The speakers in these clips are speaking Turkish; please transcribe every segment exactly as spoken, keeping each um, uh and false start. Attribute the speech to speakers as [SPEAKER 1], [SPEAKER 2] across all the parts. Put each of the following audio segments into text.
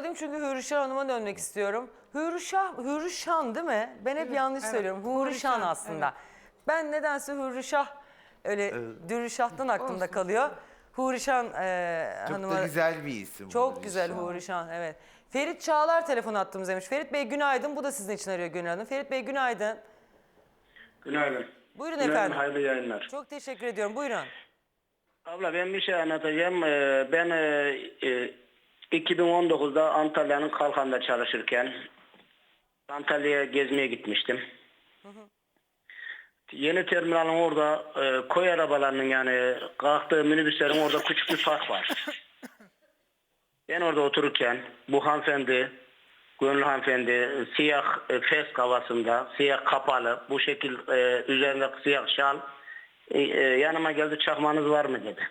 [SPEAKER 1] alayım çünkü Hürrişah Hanım'a dönmek istiyorum. Hürrişah, Hürrişan değil mi? Ben hep yanlış
[SPEAKER 2] evet.
[SPEAKER 1] söylüyorum. Hürrişan
[SPEAKER 2] Hürrişan,
[SPEAKER 1] aslında. Ben nedense Hürrişah öyle Dürrişah'tan aklımda
[SPEAKER 2] Olsun.
[SPEAKER 1] kalıyor. Hürrişan e,
[SPEAKER 3] Çok
[SPEAKER 1] Hanım'a...
[SPEAKER 3] da güzel bir isim.
[SPEAKER 1] Çok
[SPEAKER 3] bu
[SPEAKER 1] güzel
[SPEAKER 3] Rişan.
[SPEAKER 1] Hürrişan, evet. Ferit Çağlar telefon attığımız demiş. Ferit Bey günaydın. Bu da sizin için arıyor Gönül Hanım. Ferit Bey günaydın.
[SPEAKER 4] Günaydın.
[SPEAKER 1] Buyurun
[SPEAKER 4] Günaydın,
[SPEAKER 1] efendim.
[SPEAKER 4] hayırlı yayınlar.
[SPEAKER 1] Çok teşekkür ediyorum. Buyurun.
[SPEAKER 4] Abla ben bir şey anlatacağım. Ee, Ben e, e, iki bin on dokuzda Antalya'nın Kalkan'da çalışırken Antalya'ya gezmeye gitmiştim.
[SPEAKER 1] Hı hı.
[SPEAKER 4] Yeni terminalin orada e, koy arabalarının yani kalktığı minibüslerin orada küçük bir park var. Ben orada otururken bu hanımefendi, Gönül hanımefendi siyah e, fes havasında, siyah kapalı, bu şekil e, üzerinde siyah şal e, e, yanıma geldi, çakmanız var mı dedi.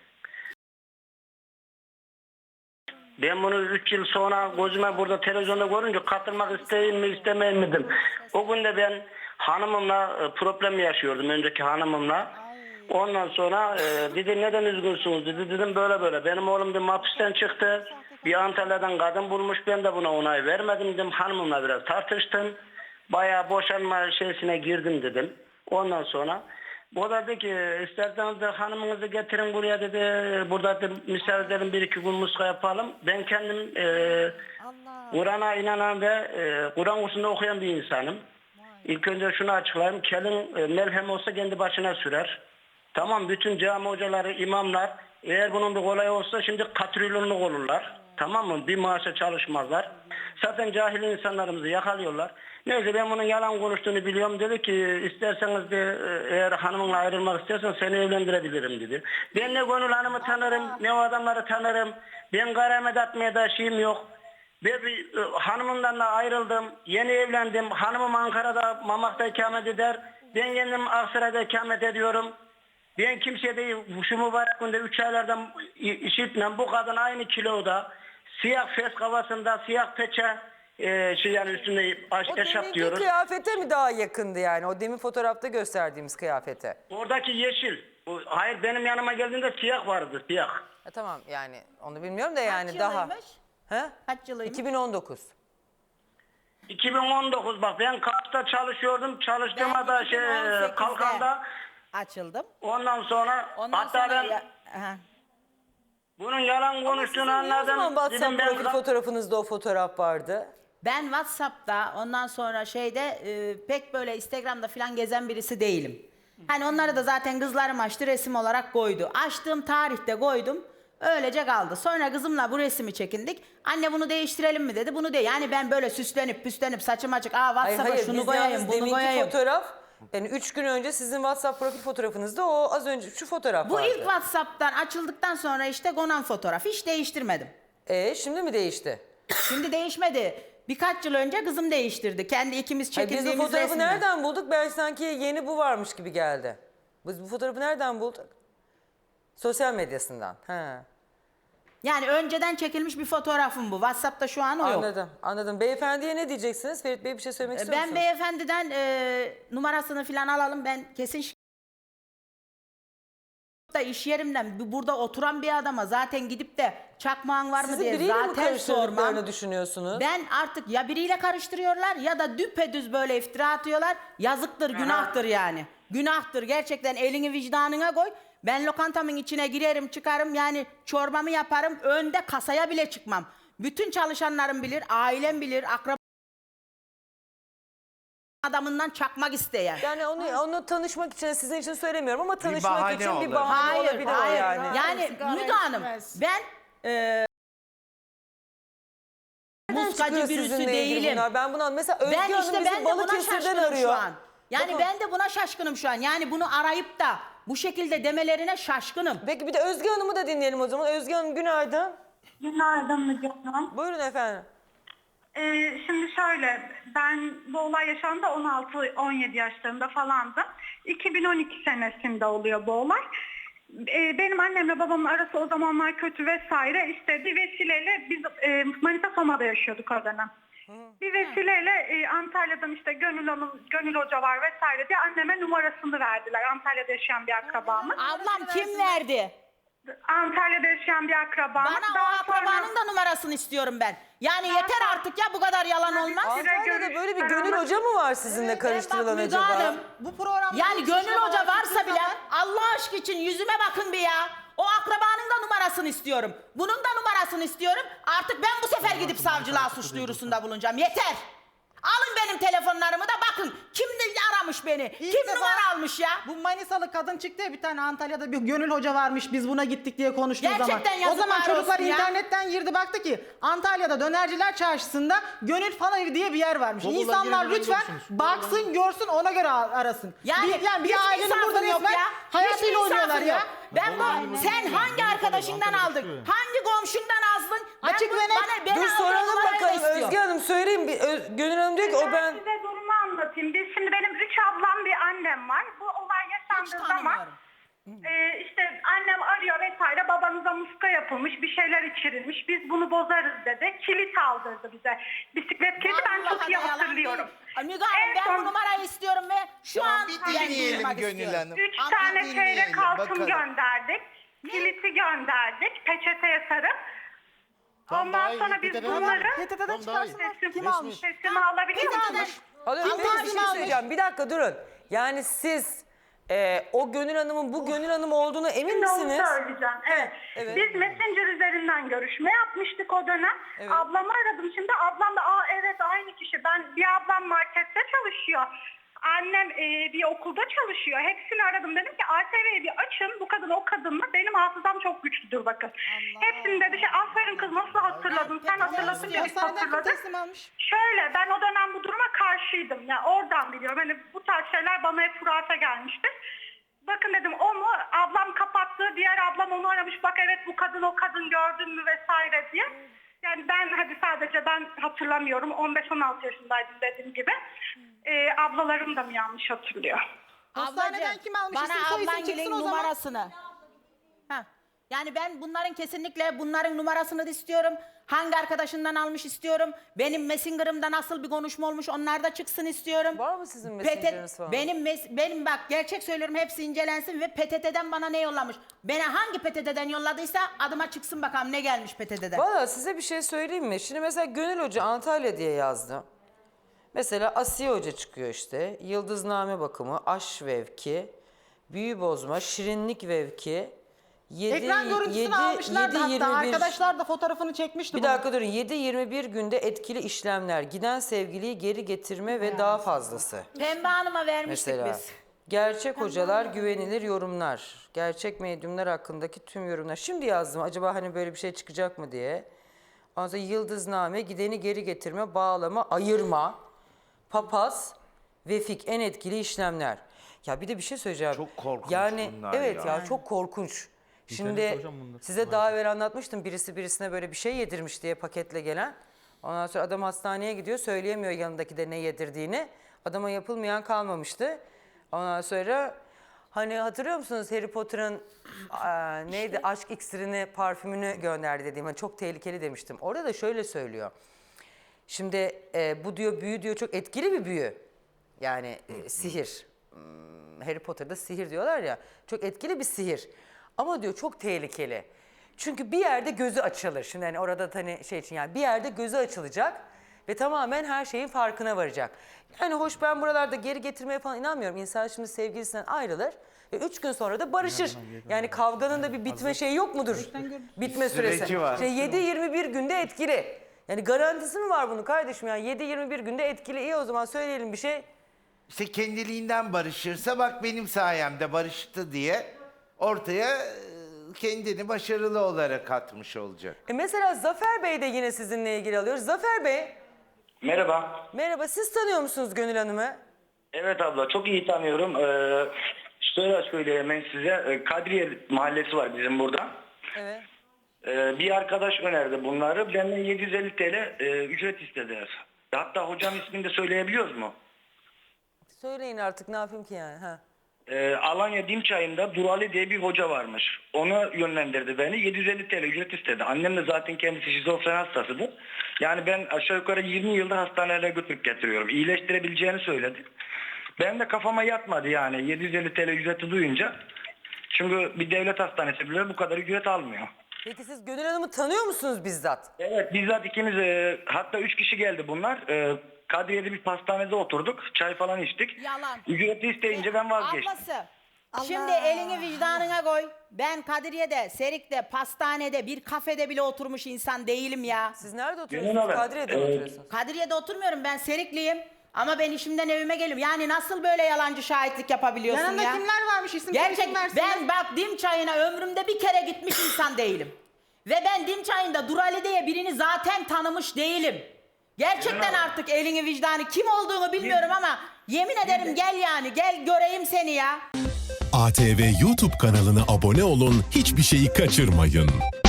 [SPEAKER 4] Ben bunu üç yıl sonra gözüme burada televizyonda görünce katılmak isteyeyim mi istemeyeyim mi dedim. O gün de ben hanımımla e, problem yaşıyordum, önceki hanımımla. Ondan sonra e, dedi neden üzgünsünüz dedi. Dedim böyle böyle. Benim oğlum bir hapisten çıktı. Bir Antalya'dan kadın bulmuş. Ben de buna onay vermedim dedim. Hanımımla biraz tartıştım. Bayağı boşanma şeysine girdim dedim. Ondan sonra o da dedi ki isterseniz de hanımınızı getirin buraya dedi. Burada da misal edelim, bir iki gün muska yapalım. Ben kendim e, Kur'an'a inanan ve e, Kur'an kursunda okuyan bir insanım. İlk önce şunu açıklayayım. Kelin e, melhem olsa kendi başına sürer. Tamam, bütün cami hocaları, imamlar eğer bunun bir kolay olsa şimdi katrilyonluk olurlar. Tamam mı? Bir maaşa çalışmazlar. Zaten cahil insanlarımızı yakalıyorlar. Neyse ben bunun yalan konuştuğunu biliyorum. Dedi ki isterseniz de eğer hanımınla ayrılmak istiyorsan seni evlendirebilirim dedi. Ben ne Gönül Hanım'ı tanırım, ne o adamları tanırım. Ben karamet atmaya da şeyim yok. Ve bir, e, hanımımdan da ayrıldım. Yeni evlendim. Hanımım Ankara'da, Mamak'ta ikamet eder. Ben kendim Aksaray'da ikamet ediyorum. Ben kimseye değil, şu mübarek günde üç aylardan işitmem. Bu kadın aynı kiloda, siyah fes kafasında, siyah peçe, e, şey yani üstünde aş,
[SPEAKER 1] O
[SPEAKER 4] eşap
[SPEAKER 1] deminki
[SPEAKER 4] diyoruz.
[SPEAKER 1] kıyafete mi daha yakındı yani? O demin fotoğrafta gösterdiğimiz kıyafete.
[SPEAKER 4] Oradaki yeşil. O, hayır, benim yanıma geldiğinde siyah vardı, siyah.
[SPEAKER 1] Ha, tamam yani onu bilmiyorum da yani
[SPEAKER 5] Kaç
[SPEAKER 1] daha.
[SPEAKER 5] yılıymış?
[SPEAKER 1] He?
[SPEAKER 5] Kaç yılıymış?
[SPEAKER 1] iki bin on dokuz.
[SPEAKER 4] iki bin on dokuz bak, ben Kars'ta çalışıyordum. Çalıştığıma da şey,
[SPEAKER 5] iki bin on sekizde
[SPEAKER 4] Kalkan'da.
[SPEAKER 5] açıldım.
[SPEAKER 4] Ondan sonra
[SPEAKER 5] Ondan
[SPEAKER 4] hatta
[SPEAKER 5] sonra
[SPEAKER 4] ben
[SPEAKER 5] ya, aha.
[SPEAKER 4] bunun yalan konuştuğunu
[SPEAKER 1] Sizin niye o zaman
[SPEAKER 4] anladım.
[SPEAKER 1] WhatsApp
[SPEAKER 4] Dedim ben
[SPEAKER 1] profil fotoğrafınızda o fotoğraf vardı?
[SPEAKER 5] Ben WhatsApp'ta ondan sonra şeyde e, pek böyle Instagram'da falan gezen birisi değilim. Hani onları da zaten kızlarım açtı, resim olarak koydu. Açtığım tarihte koydum. Öylece kaldı. Sonra kızımla bu resmi çekindik. Anne bunu değiştirelim mi dedi. Bunu de yani ben böyle süslenip püslenip saçım açık. Aa
[SPEAKER 1] Hayır
[SPEAKER 5] WhatsApp'a
[SPEAKER 1] hayır
[SPEAKER 5] şunu
[SPEAKER 1] biz
[SPEAKER 5] koyayım,
[SPEAKER 1] yalnız
[SPEAKER 5] bunu
[SPEAKER 1] deminki
[SPEAKER 5] koyayım.
[SPEAKER 1] fotoğraf yani üç gün önce sizin WhatsApp profil fotoğrafınızda o az önce şu fotoğraf
[SPEAKER 5] Bu
[SPEAKER 1] vardı.
[SPEAKER 5] ilk WhatsApp'tan açıldıktan sonra işte konan fotoğraf. Hiç değiştirmedim.
[SPEAKER 1] Ee, şimdi mi değişti?
[SPEAKER 5] Şimdi değişmedi. Birkaç yıl önce kızım değiştirdi. Kendi ikimiz
[SPEAKER 1] Hayır, biz
[SPEAKER 5] çekildiğimiz
[SPEAKER 1] bu fotoğrafı
[SPEAKER 5] resimden.
[SPEAKER 1] nereden bulduk? Ben sanki yeni bu varmış gibi geldi. Biz bu fotoğrafı nereden bulduk? Sosyal medyasından. Ha.
[SPEAKER 5] Yani önceden çekilmiş bir fotoğrafım bu. WhatsApp'ta şu an o yok.
[SPEAKER 1] Anladım, anladım. Beyefendiye ne diyeceksiniz? Ferit Bey bir şey söylemek istiyor
[SPEAKER 5] Ben
[SPEAKER 1] musunuz?
[SPEAKER 5] beyefendiden e, numarasını falan alalım. Ben kesin şi- da iş yerimden bu- burada oturan bir adama zaten gidip de çakmağın var mı
[SPEAKER 1] Sizi
[SPEAKER 5] diye
[SPEAKER 1] biriyle mi
[SPEAKER 5] zaten
[SPEAKER 1] karıştırdıklarını
[SPEAKER 5] sormam.
[SPEAKER 1] düşünüyorsunuz?
[SPEAKER 5] Ben artık ya biriyle karıştırıyorlar ya da düpedüz böyle iftira atıyorlar. Yazıktır, günahtır yani. Günahtır. Gerçekten elini vicdanına koy. Ben lokantamın içine girerim, çıkarım yani çorbamı yaparım. Önde kasaya bile çıkmam. Bütün çalışanlarım bilir, ailem bilir, akraba adamından çakmak isteyen.
[SPEAKER 1] Yani onu onu tanışmak için sizin için söylemiyorum ama tanışmak
[SPEAKER 3] bahane
[SPEAKER 1] için bir
[SPEAKER 3] olur.
[SPEAKER 1] bahane
[SPEAKER 5] Hayır,
[SPEAKER 1] olabilir o
[SPEAKER 5] hayır.
[SPEAKER 1] yani.
[SPEAKER 5] Yani
[SPEAKER 2] Sigara
[SPEAKER 5] Müge Hanım,
[SPEAKER 2] içmez.
[SPEAKER 5] ben e,
[SPEAKER 1] Nereden
[SPEAKER 5] muskacı
[SPEAKER 1] çıkıyor
[SPEAKER 5] birisi
[SPEAKER 1] sizinle ilgili
[SPEAKER 5] değilim.
[SPEAKER 1] bunlar? Ben bunu mesela Özge
[SPEAKER 5] Ben
[SPEAKER 1] Hanım
[SPEAKER 5] işte
[SPEAKER 1] bizi
[SPEAKER 5] ben de buna
[SPEAKER 1] Balıkesir'den
[SPEAKER 5] şaşkınım
[SPEAKER 1] arıyor.
[SPEAKER 5] şu an. Yani
[SPEAKER 1] Bakın.
[SPEAKER 5] ben de buna şaşkınım şu an. Yani bunu arayıp da bu şekilde demelerine şaşkınım.
[SPEAKER 1] Peki bir de Özge Hanım'ı da dinleyelim o zaman. Özge Hanım günaydın.
[SPEAKER 6] Günaydın Müge Hanım.
[SPEAKER 1] Buyurun efendim.
[SPEAKER 6] Ee, şimdi şöyle, ben bu olay yaşandı on altı on yedi yaşlarında falandım. iki bin on iki senesinde oluyor bu olay. Ee, benim annemle babamın arası o zamanlar kötü vesaire. İşte bir vesileyle biz e, Manisa Soma'da yaşıyorduk o dönem. Bir vesileyle e, Antalya'dan işte Gönül Hanım, Gönül Hoca var vesaire diye anneme numarasını verdiler. Antalya'da yaşayan bir akrabamın.
[SPEAKER 5] Ablam kim verdi?
[SPEAKER 6] Antalya'da yaşayan bir akrabam.
[SPEAKER 5] Bana o
[SPEAKER 6] Daha
[SPEAKER 5] akrabanın
[SPEAKER 6] sonra-
[SPEAKER 5] da numarasını istiyorum ben. Yani
[SPEAKER 6] Daha
[SPEAKER 5] yeter
[SPEAKER 6] sonra-
[SPEAKER 5] artık ya, bu kadar yalan olmaz.
[SPEAKER 1] Antalya'da böyle bir Gönül Hoca mı var sizinle karıştırılan
[SPEAKER 5] Müge
[SPEAKER 1] acaba?
[SPEAKER 5] Hanım,
[SPEAKER 2] Bu programda
[SPEAKER 5] yani
[SPEAKER 2] bu
[SPEAKER 5] Gönül
[SPEAKER 2] suçlamalar
[SPEAKER 5] Hoca varsa
[SPEAKER 2] çıktığı
[SPEAKER 5] bile
[SPEAKER 2] zaman-
[SPEAKER 5] Allah aşkı için yüzüme bakın bir ya. O akrabanın da numarasını istiyorum. Bunun da numarasını istiyorum. Artık ben bu sefer gidip savcılığa suç duyurusunda bulunacağım. Yeter. Alın benim telefonlarımı da bakın. Kim de aramış beni?
[SPEAKER 2] İlk
[SPEAKER 5] Kim
[SPEAKER 2] defa
[SPEAKER 5] numara almış ya?
[SPEAKER 2] Bu Manisalı kadın çıktı ya, bir tane Antalya'da bir Gönül Hoca varmış, biz buna gittik diye konuştuğu
[SPEAKER 5] Gerçekten
[SPEAKER 2] zaman. O
[SPEAKER 5] yazıklar
[SPEAKER 2] zaman çocuklar
[SPEAKER 5] olsun ya.
[SPEAKER 2] internetten girdi, baktı ki Antalya'da Dönerciler Çarşısı'nda Gönül Fan Evi diye bir yer varmış.
[SPEAKER 3] Google'dan
[SPEAKER 2] İnsanlar
[SPEAKER 3] girin,
[SPEAKER 2] lütfen
[SPEAKER 3] görürsünüz.
[SPEAKER 2] baksın, görsün, ona göre arasın.
[SPEAKER 5] Yani,
[SPEAKER 2] bir, yani bir
[SPEAKER 5] hiç
[SPEAKER 2] ailenin
[SPEAKER 5] insafın
[SPEAKER 2] burada
[SPEAKER 5] yok
[SPEAKER 2] resmen
[SPEAKER 5] ya.
[SPEAKER 2] hayatıyla
[SPEAKER 5] Hiç
[SPEAKER 2] oynuyorlar
[SPEAKER 5] insafın
[SPEAKER 2] ya.
[SPEAKER 5] yok. Ben bu, sen hangi arkadaşından aldın? Hangi komşundan aldın? Ben
[SPEAKER 2] Açık
[SPEAKER 5] bu-
[SPEAKER 2] ve net.
[SPEAKER 5] bana- beni
[SPEAKER 1] Dur
[SPEAKER 5] aldığın
[SPEAKER 1] soralım
[SPEAKER 5] numarayı da
[SPEAKER 1] bakalım
[SPEAKER 5] istiyorum.
[SPEAKER 1] Özge Hanım söyleyeyim. Bir, Ö- Gönül Hanım diyor ki o ben...
[SPEAKER 6] size durumu anlatayım. Biz şimdi benim üç ablam bir annem var. Bu olay
[SPEAKER 5] Hiç
[SPEAKER 6] yaşandığı zaman
[SPEAKER 5] tanımıyorum.
[SPEAKER 6] e, işte annem arıyor vesaire, babanıza muska yapılmış, bir şeyler içirilmiş. Biz bunu bozarız dedi. Kilit aldırdı bize. Bisiklet kilidi ben
[SPEAKER 5] Vallahi
[SPEAKER 6] çok iyi
[SPEAKER 5] de yalan
[SPEAKER 6] hatırlıyorum.
[SPEAKER 5] değil. Ay Müge Hanım,
[SPEAKER 6] En
[SPEAKER 5] ben
[SPEAKER 6] son-
[SPEAKER 5] bu numarayı istiyorum ve şu
[SPEAKER 3] Tamam,
[SPEAKER 5] an
[SPEAKER 3] bir
[SPEAKER 5] yani
[SPEAKER 3] dinleyelim
[SPEAKER 5] duyurmak
[SPEAKER 3] Gönül
[SPEAKER 5] istiyorum.
[SPEAKER 3] Hanım.
[SPEAKER 6] Üç
[SPEAKER 3] Ama
[SPEAKER 6] tane
[SPEAKER 3] dinleyelim,
[SPEAKER 6] çeyrek altın
[SPEAKER 3] bakalım.
[SPEAKER 6] gönderdik. Kiliti gönderdik. Peçeteye sarıp.
[SPEAKER 3] Tamam, daha
[SPEAKER 6] Ondan
[SPEAKER 3] iyi.
[SPEAKER 6] sonra biz
[SPEAKER 3] P T T'den
[SPEAKER 6] bunları...
[SPEAKER 3] alın.
[SPEAKER 2] P T T'den
[SPEAKER 3] Tamam, daha iyi.
[SPEAKER 2] çıkarsınlar.
[SPEAKER 6] Sesim,
[SPEAKER 2] Kim almış?
[SPEAKER 6] sesimi alabiliyor
[SPEAKER 5] P T T'den
[SPEAKER 6] musunuz?
[SPEAKER 1] Alıyorum.
[SPEAKER 2] Kim
[SPEAKER 1] Peki bir
[SPEAKER 2] teslim
[SPEAKER 1] şey
[SPEAKER 2] almış?
[SPEAKER 1] söyleyeceğim. Bir dakika durun. Yani siz e, o Gönül Hanım'ın bu Gönül Hanım olduğuna emin
[SPEAKER 6] Şimdi onu
[SPEAKER 1] misiniz?
[SPEAKER 6] söyleyeceğim. Evet.
[SPEAKER 1] evet.
[SPEAKER 6] Biz Messenger üzerinden görüşme yapmıştık o dönem.
[SPEAKER 1] Evet.
[SPEAKER 6] Ablamı aradım şimdi. Ablam da aa evet aynı kişi. Ben bir ablam markette çalışıyor. Annem e, bir okulda çalışıyor. Hepsini aradım. Dedim ki A T V'yi bir açın. Bu kadın o kadın mı? Benim hafızam çok güçlüdür bakın. Hepsini dedi şey aferin kız nasıl hatırladın? Sen hatırladın diye biz
[SPEAKER 2] Hastaneden kim
[SPEAKER 6] hatırladık.
[SPEAKER 2] teslim almış?
[SPEAKER 6] Şöyle ben o dönem bu duruma karşıydım. Yani oradan biliyorum. Hani bu tarz şeyler bana hep hurafe gelmişti. Bakın dedim o mu? Ablam kapattı. Diğer ablam onu aramış. Bak evet bu kadın o kadın gördün mü vesaire diye. Yani ben hadi sadece ben hatırlamıyorum. on beş on altı yaşındaydım dediğim gibi. Ee, ablalarım da mı yanlış hatırlıyor?
[SPEAKER 2] Hastaneden
[SPEAKER 5] Ablacığım,
[SPEAKER 2] kim almış?
[SPEAKER 5] bana
[SPEAKER 2] İsim, soy isim
[SPEAKER 5] ablan
[SPEAKER 2] çıksın
[SPEAKER 5] gelin
[SPEAKER 2] o zaman.
[SPEAKER 5] numarasını. Ha. Yani ben bunların kesinlikle bunların numarasını da istiyorum. Hangi arkadaşından almış istiyorum. Benim Messenger'ımda nasıl bir konuşma olmuş onlar da çıksın istiyorum.
[SPEAKER 1] Var mı sizin
[SPEAKER 5] P T
[SPEAKER 1] mesajlarınız falan?
[SPEAKER 5] Benim mes- benim bak gerçek söylüyorum, hepsi incelensin ve P T T'den bana ne yollamış? Bana hangi P T T'den yolladıysa adıma çıksın bakalım ne gelmiş P T T'den.
[SPEAKER 1] Valla size bir şey söyleyeyim mi? Şimdi mesela Gönül Hoca Antalya diye yazdı. Mesela Asiye Hoca çıkıyor işte. Yıldızname bakımı, aş vevki, büyü bozma, şirinlik vevki. yedi,
[SPEAKER 2] Ekran görüntüsünü almışlardı hatta. Arkadaşlar da fotoğrafını çekmişti.
[SPEAKER 1] Bir
[SPEAKER 2] bunu.
[SPEAKER 1] dakika durun. yedi yirmi bir günde etkili işlemler, giden sevgiliyi geri getirme ve daha fazlası.
[SPEAKER 5] Pembe Hanım'a vermiştik
[SPEAKER 1] Mesela
[SPEAKER 5] biz.
[SPEAKER 1] gerçek hocalar güvenilir yorumlar. Gerçek medyumlar hakkındaki tüm yorumlar. Şimdi yazdım acaba hani böyle bir şey çıkacak mı diye. Ondan sonra yıldızname, gideni geri getirme, bağlama, ayırma, papaz, vefik en etkili işlemler. Ya bir de bir şey söyleyeceğim.
[SPEAKER 3] Çok korkunç
[SPEAKER 1] yani,
[SPEAKER 3] bunlar
[SPEAKER 1] evet
[SPEAKER 3] ya.
[SPEAKER 1] ya. çok korkunç. Şimdi
[SPEAKER 3] İnternette hocam bunlar.
[SPEAKER 1] size daha evvel anlatmıştım. Birisi birisine böyle bir şey yedirmiş diye paketle gelen. Ondan sonra adam hastaneye gidiyor. Söyleyemiyor yanındaki de ne yedirdiğini. Adama yapılmayan kalmamıştı. Ondan sonra hani hatırlıyor musunuz Harry Potter'ın aa, neydi aşk iksirini, parfümünü gönderdi dediğim. Hani çok tehlikeli demiştim. Orada da şöyle söylüyor. Şimdi e, bu diyor büyü diyor çok etkili bir büyü. Yani e, sihir. Hmm, Harry Potter'da sihir diyorlar ya. Çok etkili bir sihir. Ama diyor çok tehlikeli. Çünkü bir yerde gözü açılır. Şimdi hani orada hani şey için yani bir yerde gözü açılacak ve tamamen her şeyin farkına varacak. Yani hoş ben buralarda geri getirmeye falan inanmıyorum. İnsan şimdi sevgilisinden ayrılır ve üç gün sonra da barışır. Yani kavganın da bir bitme şeyi yok mudur? Bitme süresi.
[SPEAKER 3] Süreci var.
[SPEAKER 1] Şey yedi yirmi bir günde etkili. Yani garantisi mi var bunun kardeşim? Yani yedi yirmi bir günde etkili. İyi o zaman söyleyelim bir şey.
[SPEAKER 3] İşte kendiliğinden barışırsa bak benim sayemde barıştı diye ortaya e, kendini başarılı olarak atmış olacak.
[SPEAKER 1] E mesela Zafer Bey de yine sizinle ilgili alıyoruz. Zafer Bey,
[SPEAKER 4] Merhaba.
[SPEAKER 1] merhaba. Siz tanıyor musunuz Gönül Hanım'ı?
[SPEAKER 4] Evet abla çok iyi tanıyorum. Ee, şöyle söyleyeyim ben size. Ee, Kadriye mahallesi var bizim burada.
[SPEAKER 1] Evet.
[SPEAKER 4] Ee, bir arkadaş önerdi bunları. Benden yedi yüz elli T L e, ücret istediler. Hatta hocanın ismini de söyleyebiliyoruz mu?
[SPEAKER 1] Söyleyin artık ne yapayım ki yani. Ha.
[SPEAKER 4] Ee, Alanya Dimçay'ında Durali diye bir hoca varmış. Onu yönlendirdi beni. yedi yüz elli T L ücret istedi. Annem de zaten kendisi şizofren hastasıdır. Yani ben aşağı yukarı yirmi yıldır hastanelere götürüp getiriyorum. İyileştirebileceğini söyledi. Ben de kafama yatmadı yani yedi yüz elli T L ücreti duyunca.
[SPEAKER 7] Çünkü bir devlet hastanesi bile bu kadar ücret almıyor.
[SPEAKER 1] Peki siz Gönül Hanım'ı tanıyor musunuz bizzat?
[SPEAKER 7] Evet, bizzat ikimiz, e, hatta üç kişi geldi bunlar. E, Kadriye'de bir pastanede oturduk. Çay falan içtik.
[SPEAKER 5] Yalan.
[SPEAKER 7] Ücreti isteyince ben vazgeçtim.
[SPEAKER 5] Ablası. Şimdi elini vicdanına koy. Ben Kadriye'de, Serik'te, pastanede, bir kafede bile oturmuş insan değilim ya.
[SPEAKER 1] Siz nerede
[SPEAKER 7] Gönül
[SPEAKER 1] oturuyorsunuz?
[SPEAKER 7] Hanım,
[SPEAKER 1] Kadriye'de mi
[SPEAKER 7] e,
[SPEAKER 1] oturuyorsunuz?
[SPEAKER 5] Kadriye'de oturmuyorum, ben Serikliyim. Ama ben işimden evime geliyorum. Yani nasıl böyle yalancı şahitlik yapabiliyorsun
[SPEAKER 2] Yanında
[SPEAKER 5] ya?
[SPEAKER 2] kimler varmış, isim
[SPEAKER 5] Gerçek,
[SPEAKER 2] isim versene.
[SPEAKER 5] ben bak Dim Çayı'na ömrümde bir kere gitmiş insan değilim. Ve ben Dim Çayı'nda Durali diye birini zaten tanımış değilim. Gerçekten artık elini vicdanı kim olduğunu bilmiyorum ama yemin ederim gel yani gel göreyim seni ya.
[SPEAKER 8] A T V YouTube kanalına abone olun, hiçbir şeyi kaçırmayın.